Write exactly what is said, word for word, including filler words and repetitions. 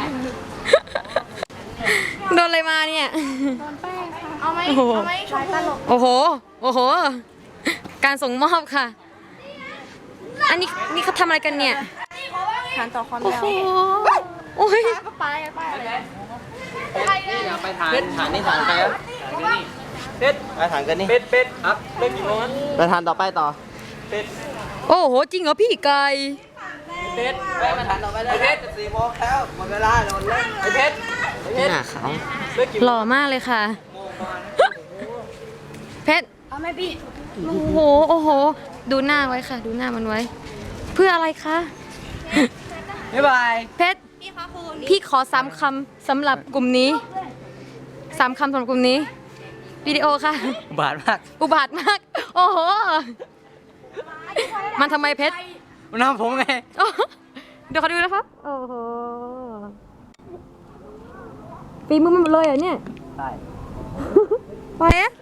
โดนอะไรมาเนี่ยโดนแป้งค่ะเอาไหมโอ้โหเอาไหมชมพูโอ้โห โอ้โห การส่งมอบค่ะ อันนี้นี่เขาทำอะไรกันเนี่ยฐานต่อความโอ้ยาวโห โอ้ยก็ไปไปอะไรไปฐานฐานนี่ฐานไปครับเป็ดไปฐานกันนี่เป็ดเป็ดครับเลิกกี่โมงไปฐานต่อไปต่อเป็ดโอ้โห จริงเหรอพี่ไก่เป็ดไปมาฐานต่อไปเลยเพชรสี่โมงแล้วหมดเวลาโดนเล่นไอเพชรหน้าเขาเลิกกี่หล่อมากเลยค่ะ เพชรเอาไหมพี่โอ้โห โอ้โห ดูหน้าไว้ค่ะ ดูหน้ามันไว้ เพื่ออะไรคะบ๊ายบายเพชรพี่คะคุณพี่ขอสามคำสำหรับกลุ่มนี้สามคำสำหรับกลุ่มนี้ วิดีโอค่ะบาดมากอุบาทมาก โอ้โห มันทำไมเพชรมันทำผมไงโอ้โหเดี๋ยวเขาดูนะครับ โอ้โหปีมือมันหมดเลยเหรอเนี่ยใช่ไปอะ